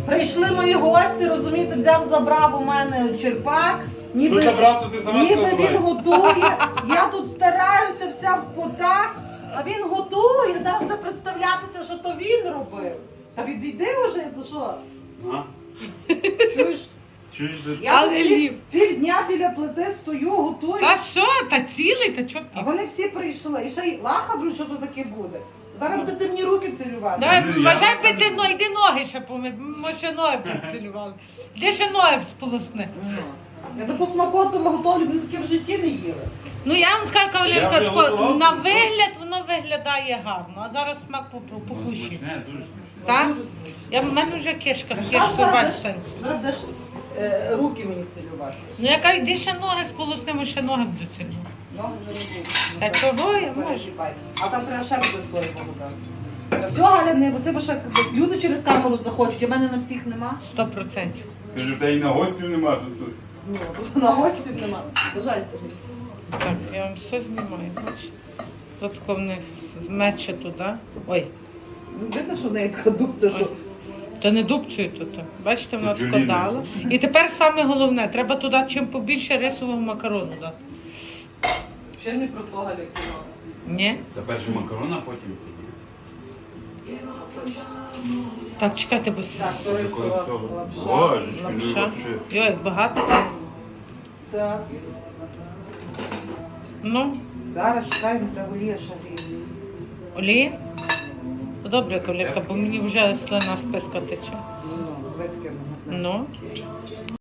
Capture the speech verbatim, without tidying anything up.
Прийшли мої гості, розумієте, взяв, забрав у мене черпак. Ніби, Що забрав, то ти сама ніби сказала. він готує. Я тут стараюся вся в потах, а він готує, так буде представлятися, що то він робив. Та відійди вже, то що? А? Чуєш? Чуєш? Я Але тут пів, лів. півдня біля плити стою, готую. Та що, та цілий, та чо А вони всі прийшли. І ще й лахадру, що то таке буде. Зараз будете мені руки цілювати. Давай, Ну, я- вважай, би ти, ну, йди ноги ще помий, може ще ноги поцілювали. Де ще ноги сполосни? Ну. Я таку смакоту готовлю, вони таке в житті не їли. Ну я вам скажу, Я кавалерка, вже тако, готував. на вигляд воно виглядає гарно, а зараз смак попро- Ну, попущий. смачне, дуже смачне. Так? Дуже смачно. Я, в мене вже кишка, Аж кишка, зараз бач, будеш- Сань. зараз будеш е, руки мені цілювати. Ну я кажу, йди ще ноги сполоснимо, ще ноги буду цілювати. Ноги вже не будуть. Та чого я можу? Переживай. А там треба ще буде сої погадати. Та все, Галя, не, бо це бо ще люди через камеру захочуть, а в мене на всіх нема. Сто процентів. Каже, в тебе і на гостів нема тут. тут. Ну, тут на гостів нема. Бажай собі. Так, я вам все знімаю, бачите. Тут вони мече туди. Ой, Видно, що в неї така дубця, що... то не дубцює тут. Бачите, вона Тут тако Джуліна. дала. І тепер саме головне, треба туди чим побільше рисового макарону дати. Ще не про то, Галя, кіно. Ні? Та перше макарон, а потім тоді. Так, чекайте, бо Так, то Коли рисова всього. лапша. Божечки, ну лапша. вообще. Йой, як багато. Так, Ну, зараз чекаємо, треба олія ще гріється. олія. То добре, кавалерка, бо мені вже слина з писка тече. Ну, вискину. Ну.